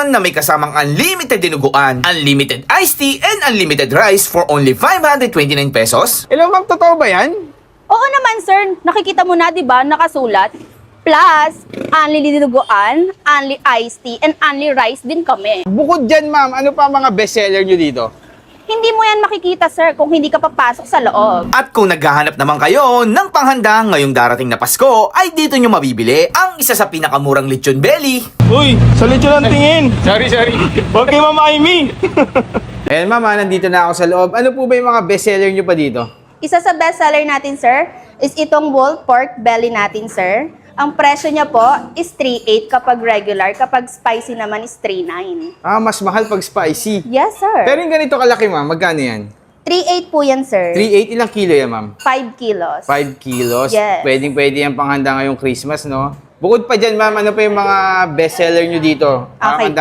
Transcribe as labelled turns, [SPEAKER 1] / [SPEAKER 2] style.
[SPEAKER 1] naman na may kasamang unlimited dinuguan, unlimited iced tea, and unlimited rice for only 529 pesos?
[SPEAKER 2] Hello ma'am, totoo ba yan?
[SPEAKER 3] Oo naman, sir. Nakikita mo na, di ba? Nakasulat. Plus, only dinuguan, only iced tea, and only rice din kami.
[SPEAKER 2] Bukod dyan ma'am, ano pa ang mga bestseller nyo dito?
[SPEAKER 3] Hindi mo yan makikita, sir, kung hindi ka papasok sa loob.
[SPEAKER 1] At kung naghahanap naman kayo ng panghanda ngayong darating na Pasko, ay dito nyo mabibili ang isa sa pinakamurang lechon belly.
[SPEAKER 4] Uy, sa lechon ang tingin.
[SPEAKER 2] Sorry.
[SPEAKER 4] Huwag kay Mama Amy.
[SPEAKER 2] Ayan ma'am, nandito na ako sa loob. Ano po ba yung mga bestseller nyo pa dito?
[SPEAKER 3] Isa sa bestseller natin, sir, is itong whole pork belly natin, sir. Ang presyo niya po is 3.8 kapag regular, kapag spicy naman is 3.9.
[SPEAKER 2] Ah, mas mahal pag spicy.
[SPEAKER 3] Yes, sir.
[SPEAKER 2] Pero yung ganito kalaki ma'am, magkano yan?
[SPEAKER 3] 3.8 po yan, sir.
[SPEAKER 2] 3.8, ilang kilo yan ma'am?
[SPEAKER 3] 5 kilos.
[SPEAKER 2] 5 kilos?
[SPEAKER 3] Yes.
[SPEAKER 2] Pwede yan panghanda ngayong Christmas, no? Bukod pa dyan ma'am, ano pa yung mga bestseller nyo dito?
[SPEAKER 3] Okay.